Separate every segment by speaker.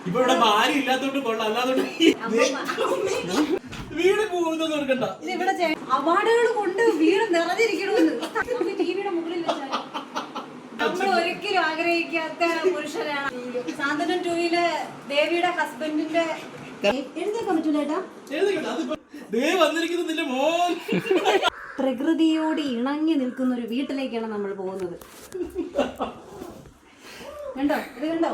Speaker 1: ഇപ്പൊ ഇവിടെ ഭാര്യ ഇല്ലാത്തോണ്ട് കൊള്ളാം, അല്ലാത്തോണ്ട് വീട് പോകുന്നത് കൊടുക്കണ്ട.
Speaker 2: ഇവിടെ അവാർഡുകൾ കൊണ്ട് വീട് നിറഞ്ഞിരിക്കണമെന്ന് നമുക്ക് ടിവിയുടെ മുകളിൽ വെച്ചാൽ നമ്മൾ ഒരിക്കലും ആഗ്രഹിക്കാത്ത പുരുഷനാണ് സാന്ത്വനം 2-ല് ദേവിയുടെ ഹസ്ബൻഡിന്റെ എഴുതിയേക്കാൻ പറ്റൂലേട്ടാ. പ്രകൃതിയോട് ഇണങ്ങി നിൽക്കുന്ന ഒരു വീട്ടിലേക്കാണ് നമ്മൾ പോകുന്നത്. കണ്ടോ ഇത് കണ്ടോ,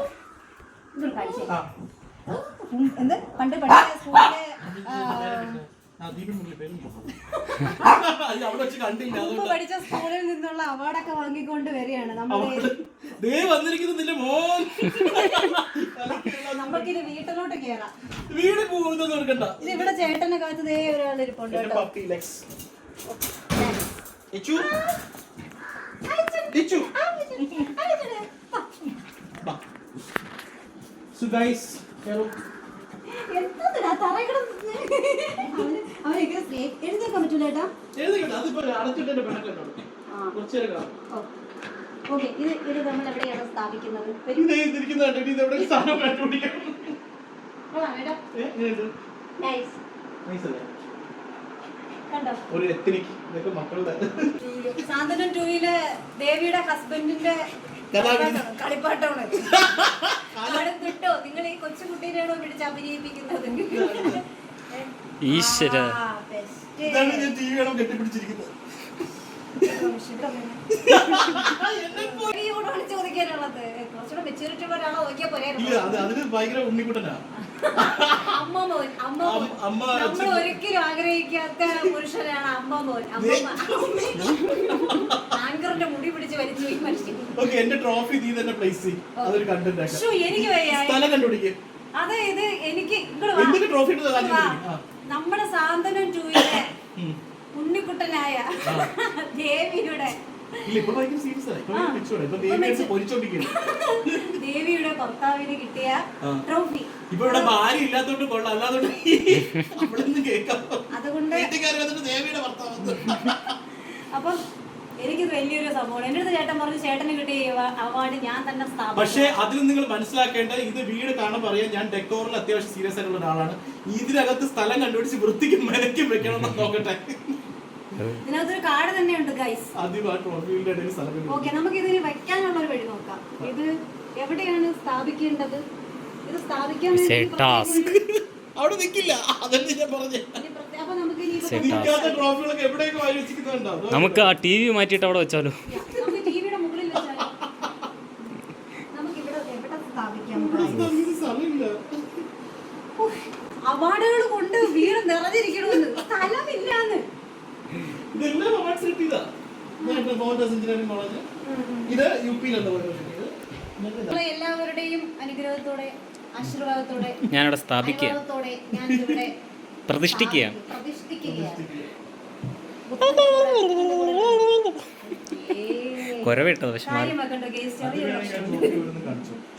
Speaker 2: എന്ത് പണ്ട് പഠിച്ച സ്കൂളിലെ പഠിച്ച സ്കൂളിൽ നിന്നുള്ള അവാർഡൊക്കെ വാങ്ങിക്കൊണ്ട് വരികയാണ് നമുക്കിത് വീട്ടിലോട്ട് കേറാം. ഇത് ഇവിടെ ചേട്ടനെ കാത്ത് ദേ ഒരാൾ ഇരിപ്പുണ്ട് കേട്ടോ. എഴുതിയേക്കാൻ പറ്റൂലേട്ടാ. ഓക്കെ, ഇത് നമ്മൾ എവിടെയാണ് സ്ഥാപിക്കുന്നത്? സാന്ത്വനം 2-ല് ദേവിയുടെ ഹസ്ബൻഡിന്റെ കളിപ്പാട്ടമാണ്. കിട്ടോ നിങ്ങൾ ഈ കൊച്ചുകുട്ടീനെയാണോ പിടിച്ച് അഭിനയിപ്പിക്കുന്നത്?
Speaker 3: ഈശ്വര
Speaker 2: ചോദിക്കാനുള്ളത് കുറച്ചുകൂടെ മെച്ചൂരിറ്റി ഉള്ളവരാണോ നോക്കിയാ പോരെ. നമ്മൾ ഒരിക്കലും ആഗ്രഹിക്കാത്ത പുരുഷനാണ് അമ്മമോൻ. ആങ്കറിന്റെ മുടി പിടിച്ച് വലിച്ചു ഈ മനുഷ്യൻ. എനിക്ക് അതെ ഇത് എനിക്ക് നമ്മുടെ സാന്ത്വനം 2-ലെ ഉണ്ണിക്കുട്ടനായ ദേവിയുടെ ദേവിയുടെ ഭർത്താവിന് കിട്ടിയ ട്രോഫി.
Speaker 1: ഇവിടെ ഭാര്യ ഇല്ലാത്തോണ്ട് കൊള്ളാം, അല്ലാത്തോണ്ട്
Speaker 2: അതുകൊണ്ട് അപ്പം എനിക്കിത് വലിയൊരു സംഭവമാണ്. എന്റെ അടുത്ത് ചേട്ടൻ പറഞ്ഞു ചേട്ടന് കിട്ടിയ അവാർഡ് ഞാൻ തന്നെ സ്ഥാപിച്ചു.
Speaker 1: പക്ഷേ അതിൽ നിങ്ങൾ മനസ്സിലാക്കേണ്ടത് ഇത് വീട് കാണാൻ പറയാൻ ഞാൻ ഡെക്കോറിൽ അത്യാവശ്യം സീരിയസ് ആയിട്ടുള്ള ഒരാളാണ്. ഇതിനകത്ത് സ്ഥലം കണ്ടുപിടിച്ച് വൃത്തിക്കും മെനക്കും വെക്കണം നോക്കട്ടെ.
Speaker 2: ഇതിനകത്തൊരു കാർഡ് തന്നെയുണ്ട് ഗൈസ്. ഓക്കെ, നമുക്ക് ഇതിന് വെക്കാനുള്ള ഒരു വഴി നോക്കാം. ഇത് എവിടെയാണ് സ്ഥാപിക്കേണ്ടത്? ഇത് സ്ഥാപിക്കാൻ
Speaker 1: അവിടെ നിൽക്കില്ല, അതല്ലേ ഞാൻ പറഞ്ഞേ.
Speaker 3: നമുക്ക് ആ TV മാറ്റിയിട്ട് അവിടെ വെച്ചാലോ?
Speaker 2: ടിവിയുടെ മുകളിൽ വെച്ചാലോ? നമുക്ക് ഇവിടെ എവിടെ സ്ഥാപിക്കാം? അവാർഡുകൾ കൊണ്ട് വീട് നിറഞ്ഞിരിക്കണമെന്ന് സ്ഥലമില്ലാന്ന്. എല്ലാവരുടെയും അനുഗ്രഹത്തോടെ ആശീർവാദത്തോടെ
Speaker 3: ഞാനിവിടെ സ്ഥാപിക്കുക, പ്രതിഷ്ഠിക്കുക. കൊരവിട്ടത് പക്ഷെ